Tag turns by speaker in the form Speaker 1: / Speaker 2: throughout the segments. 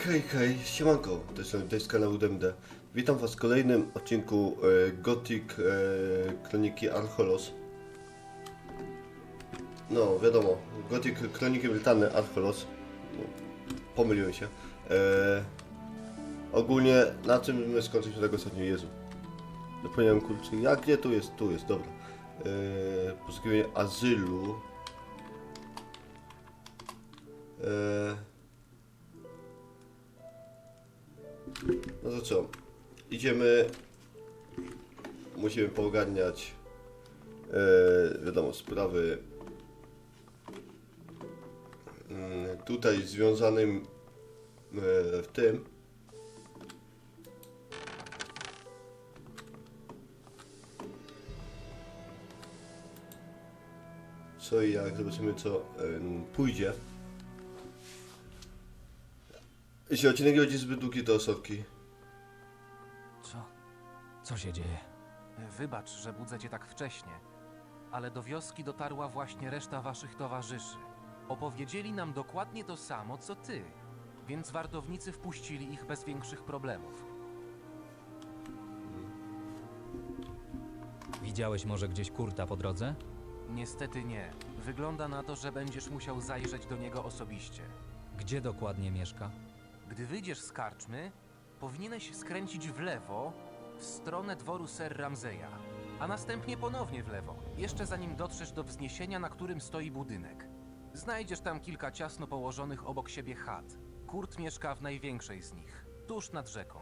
Speaker 1: Hej, siemanko, to jest kanał DMD. Witam was w kolejnym odcinku Gothic Kroniki Archolos. No, wiadomo, Gothic Kroniki Brytany Archolos. No, pomyliłem się. Ogólnie, na czym my skończyliśmy tego ostatnio? Jezu. Zapomniałem, kurczę, jak gdzie tu jest, dobra. Poszukiwanie azylu. No to co? Idziemy. Musimy poogarniać wiadomo, sprawy tutaj związanym w tym. Co i jak, zobaczymy co pójdzie. Jeśli odcinek będzie zbyt długi, to osobki.
Speaker 2: Co się dzieje?
Speaker 3: Wybacz, że budzę cię tak wcześnie, ale do wioski dotarła właśnie reszta waszych towarzyszy. Opowiedzieli nam dokładnie to samo, co ty, więc wartownicy wpuścili ich bez większych problemów.
Speaker 2: Widziałeś może gdzieś Kurta po drodze?
Speaker 3: Niestety nie. Wygląda na to, że będziesz musiał zajrzeć do niego osobiście.
Speaker 2: Gdzie dokładnie mieszka?
Speaker 3: Gdy wyjdziesz z karczmy, powinieneś skręcić w lewo w stronę dworu Ser Ramseya, a następnie ponownie w lewo, jeszcze zanim dotrzesz do wzniesienia, na którym stoi budynek. Znajdziesz tam kilka ciasno położonych obok siebie chat. Kurt mieszka w największej z nich, tuż nad rzeką.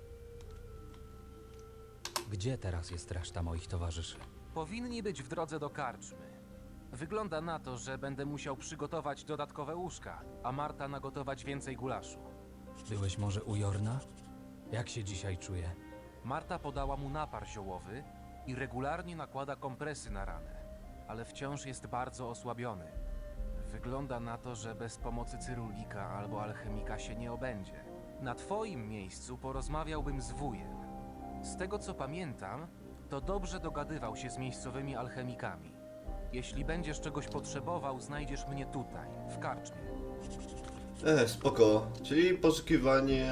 Speaker 2: Gdzie teraz jest reszta moich towarzyszy?
Speaker 3: Powinni być w drodze do karczmy. Wygląda na to, że będę musiał przygotować dodatkowe łóżka, a Marta nagotować więcej gulaszu.
Speaker 2: Byłeś może u Jorna? Jak się dzisiaj czuje?
Speaker 3: Marta podała mu napar ziołowy i regularnie nakłada kompresy na ranę, ale wciąż jest bardzo osłabiony. Wygląda na to, że bez pomocy cyrulika albo alchemika się nie obędzie. Na twoim miejscu porozmawiałbym z wujem. Z tego co pamiętam, to dobrze dogadywał się z miejscowymi alchemikami. Jeśli będziesz czegoś potrzebował, znajdziesz mnie tutaj, w karczmie.
Speaker 1: Spoko. Czyli poszukiwanie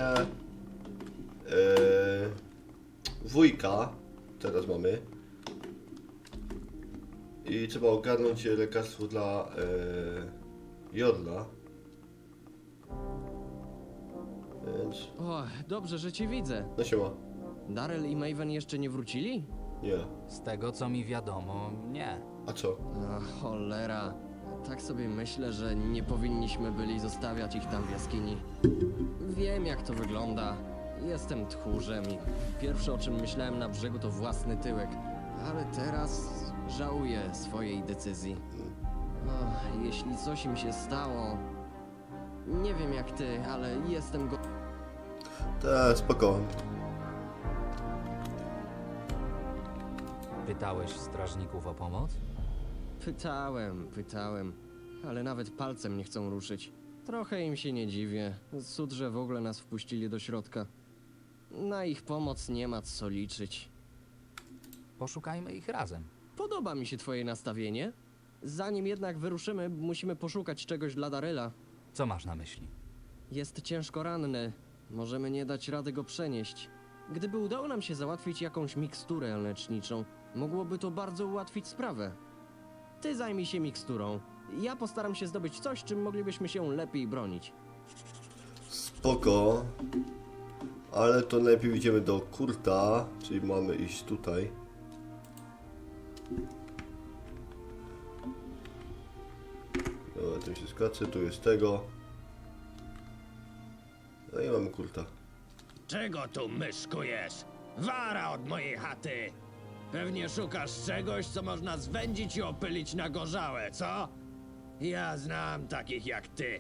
Speaker 1: wujka. Teraz mamy. I trzeba ogarnąć lekarstwo dla Jorla. Więc...
Speaker 4: O, dobrze, że cię widzę.
Speaker 1: No siema.
Speaker 4: Darrell i Maven jeszcze nie wrócili?
Speaker 1: Nie.
Speaker 2: Z tego co mi wiadomo, nie.
Speaker 1: A co?
Speaker 4: A, cholera. Tak sobie myślę, że nie powinniśmy byli zostawiać ich tam w jaskini. Wiem, jak to wygląda. Jestem tchórzem i pierwsze, o czym myślałem na brzegu, to własny tyłek. Ale teraz żałuję swojej decyzji. O, jeśli coś im się stało... Nie wiem jak ty, ale jestem go...
Speaker 1: Tak, spoko.
Speaker 2: Pytałeś strażników o pomoc?
Speaker 4: Pytałem, ale nawet palcem nie chcą ruszyć. Trochę im się nie dziwię. Cud, że w ogóle nas wpuścili do środka. Na ich pomoc nie ma co liczyć.
Speaker 2: Poszukajmy ich razem.
Speaker 4: Podoba mi się twoje nastawienie. Zanim jednak wyruszymy, musimy poszukać czegoś dla Darrella.
Speaker 2: Co masz na myśli?
Speaker 4: Jest ciężko ranny. Możemy nie dać rady go przenieść. Gdyby udało nam się załatwić jakąś miksturę leczniczą, mogłoby to bardzo ułatwić sprawę. Ty zajmij się miksturą. Ja postaram się zdobyć coś, czym moglibyśmy się lepiej bronić.
Speaker 1: Spoko. Ale to najpierw idziemy do Kurta, czyli mamy iść tutaj. Dobra, tym się skacze, tu jest tego. No i mamy Kurta.
Speaker 5: Czego tu myszkujesz? Wara od mojej chaty! Pewnie szukasz czegoś, co można zwędzić i opylić na gorzałe, co? Ja znam takich jak ty.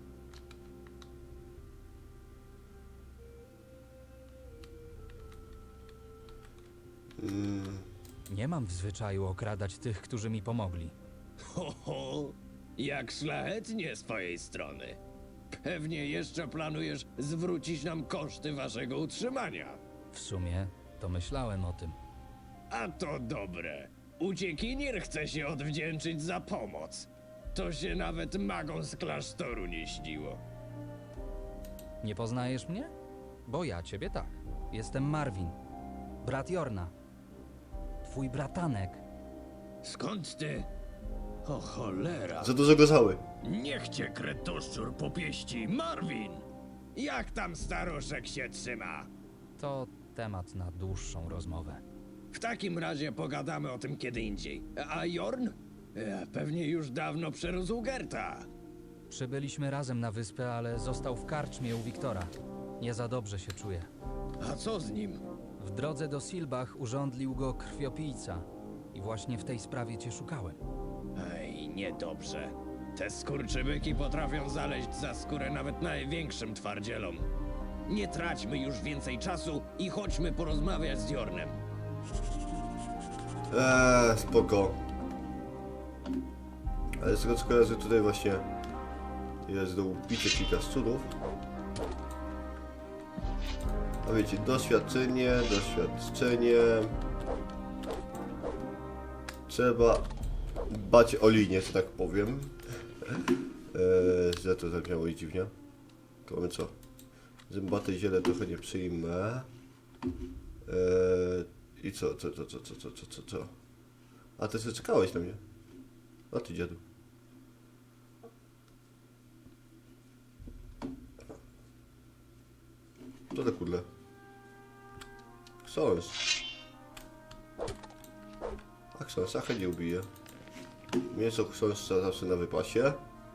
Speaker 2: Nie mam w zwyczaju okradać tych, którzy mi pomogli.
Speaker 5: Ho, ho! Jak szlachetnie z twojej strony. Pewnie jeszcze planujesz zwrócić nam koszty waszego utrzymania.
Speaker 2: W sumie to myślałem o tym.
Speaker 5: A to dobre. Uciekinier chce się odwdzięczyć za pomoc. To się nawet magom z klasztoru nie śniło.
Speaker 2: Nie poznajesz mnie? Bo ja ciebie tak. Jestem Marvin, brat Jorna. Twój bratanek.
Speaker 5: Skąd ty? O cholera!
Speaker 1: Za dużo gorzały.
Speaker 5: Niech cię kretoszczur popieści, Marvin! Jak tam staruszek się trzyma?
Speaker 2: To temat na dłuższą rozmowę.
Speaker 5: W takim razie pogadamy o tym kiedy indziej. A Jorn? Pewnie już dawno przerósł Gerta.
Speaker 2: Przybyliśmy razem na wyspę, ale został w karczmie u Wiktora. Nie za dobrze się czuje.
Speaker 5: A co z nim?
Speaker 2: W drodze do Silbach urządlił go krwiopijca. I właśnie w tej sprawie cię szukałem.
Speaker 5: Ej, niedobrze. Te skurczybyki potrafią zaleźć za skórę nawet największym twardzielom. Nie traćmy już więcej czasu i chodźmy porozmawiać z Jornem.
Speaker 1: Spoko. Ale z tego co kojarzę, tutaj właśnie jest do ubicia kilka szczurów. A wiecie, doświadczenie. Trzeba dbać o linię, że tak powiem. Źle to zabrzmiało i dziwnie. Mamy co? Zębate ziele trochę nie przyjmę. I co? A ty sobie czekałeś na mnie. A ty dziadu. Co to kurde? Książ. A książa nie ubije. Mięso książa zawsze na wypasie.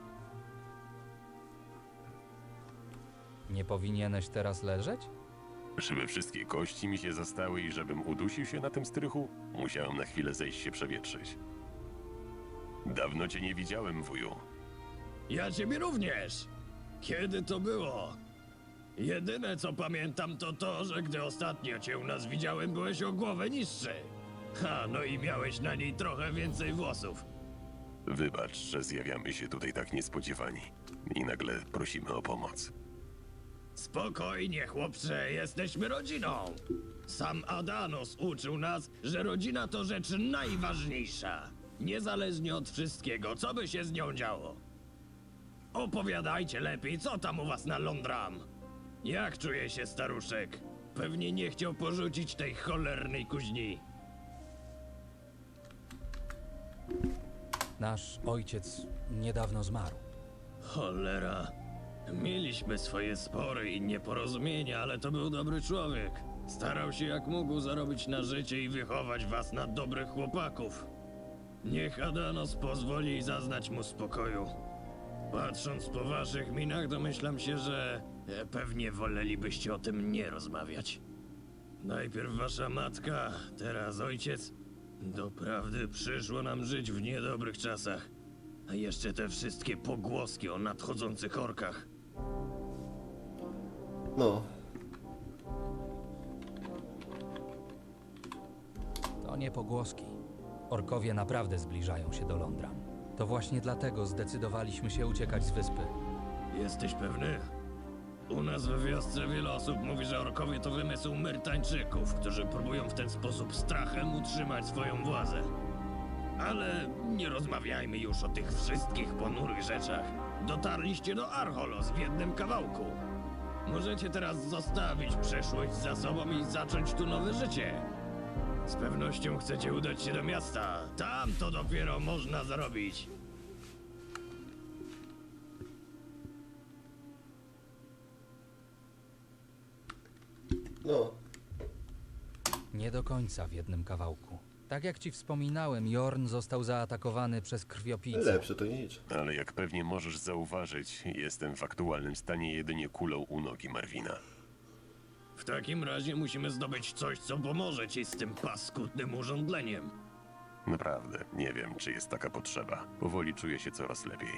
Speaker 2: Nie powinieneś teraz leżeć?
Speaker 6: Żeby wszystkie kości mi się zastały i żebym udusił się na tym strychu, musiałem na chwilę zejść się przewietrzyć. Dawno cię nie widziałem, wuju.
Speaker 5: Ja ciebie również. Kiedy to było? Jedyne co pamiętam to to, że gdy ostatnio cię u nas widziałem, byłeś o głowę niższy. Ha, no i miałeś na niej trochę więcej włosów.
Speaker 6: Wybacz, że zjawiamy się tutaj tak niespodziewani i nagle prosimy o pomoc.
Speaker 5: Spokojnie, chłopcze, jesteśmy rodziną. Sam Adanos uczył nas, że rodzina to rzecz najważniejsza. Niezależnie od wszystkiego, co by się z nią działo. Opowiadajcie lepiej, co tam u was na Londram. Jak czuje się staruszek? Pewnie nie chciał porzucić tej cholernej kuźni.
Speaker 2: Nasz ojciec niedawno zmarł.
Speaker 5: Cholera. Mieliśmy swoje spory i nieporozumienia, ale to był dobry człowiek. Starał się jak mógł zarobić na życie i wychować was na dobrych chłopaków. Niech Adanos pozwoli zaznać mu spokoju. Patrząc po waszych minach, domyślam się, że pewnie wolelibyście o tym nie rozmawiać. Najpierw wasza matka, teraz ojciec. Doprawdy przyszło nam żyć w niedobrych czasach. A jeszcze te wszystkie pogłoski o nadchodzących orkach.
Speaker 1: No.
Speaker 2: To nie pogłoski. Orkowie naprawdę zbliżają się do Londram. To właśnie dlatego zdecydowaliśmy się uciekać z wyspy.
Speaker 5: Jesteś pewny? U nas we wiosce wiele osób mówi, że orkowie to wymysł Myrtańczyków, którzy próbują w ten sposób strachem utrzymać swoją władzę. Ale nie rozmawiajmy już o tych wszystkich ponurych rzeczach. Dotarliście do Archolos w jednym kawałku. Możecie teraz zostawić przeszłość za sobą i zacząć tu nowe życie. Z pewnością chcecie udać się do miasta. Tam to dopiero można zarobić.
Speaker 1: No.
Speaker 2: Nie do końca w jednym kawałku. Tak jak ci wspominałem, Jorn został zaatakowany przez krwiopijcę.
Speaker 1: Lepsze to nic.
Speaker 6: Ale jak pewnie możesz zauważyć, jestem w aktualnym stanie jedynie kulą u nogi Marvina.
Speaker 5: W takim razie musimy zdobyć coś, co pomoże ci z tym paskudnym urządleniem.
Speaker 6: Naprawdę, nie wiem, czy jest taka potrzeba. Powoli czuję się coraz lepiej.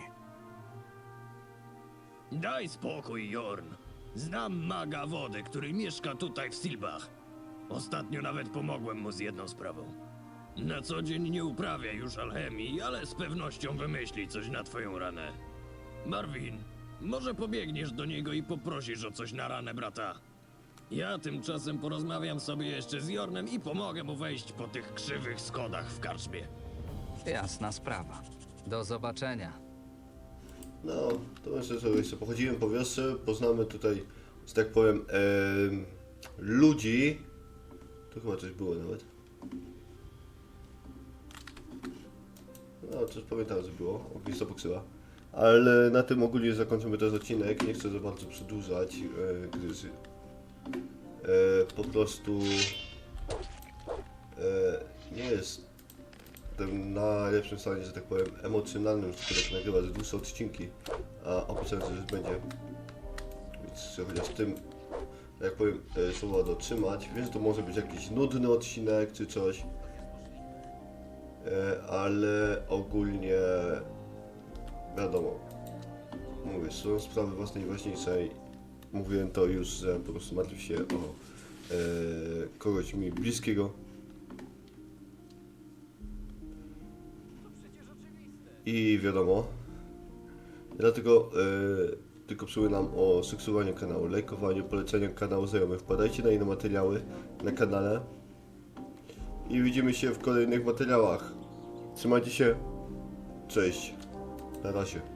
Speaker 5: Daj spokój, Jorn. Znam maga wody, który mieszka tutaj w Silbach. Ostatnio nawet pomogłem mu z jedną sprawą. Na co dzień nie uprawia już alchemii, ale z pewnością wymyśli coś na twoją ranę. Marvin, może pobiegniesz do niego i poprosisz o coś na ranę brata. Ja tymczasem porozmawiam sobie jeszcze z Jornem i pomogę mu wejść po tych krzywych schodach w karczmie.
Speaker 2: Jasna sprawa. Do zobaczenia.
Speaker 1: No, to myślę, że jeszcze pochodzimy po wiosce, poznamy tutaj że tak powiem, ludzi. Tu chyba coś było nawet. No, coś pamiętam, że było. Ognista poksyła. Ale na tym ogólnie zakończymy ten odcinek. Nie chcę za bardzo przedłużać, gdyż po prostu nie jest w najlepszym stanie, że tak powiem, emocjonalnym, żeby tak nagrywać dłuższe odcinki, a obiecałem, że już będzie. Więc chcę chociaż tym, jak powiem, słowa dotrzymać. Wiem, że to może być jakiś nudny odcinek czy coś, ale ogólnie wiadomo, mówię, są sprawy własnej ważniejszej. Mówiłem to już, że po prostu martwię się o kogoś mi bliskiego. I wiadomo, dlatego tylko przypominam o subskrybowaniu kanału, lajkowaniu, poleceniu kanału znajomych. Wpadajcie na inne materiały na kanale i widzimy się w kolejnych materiałach. Trzymajcie się, cześć, na razie.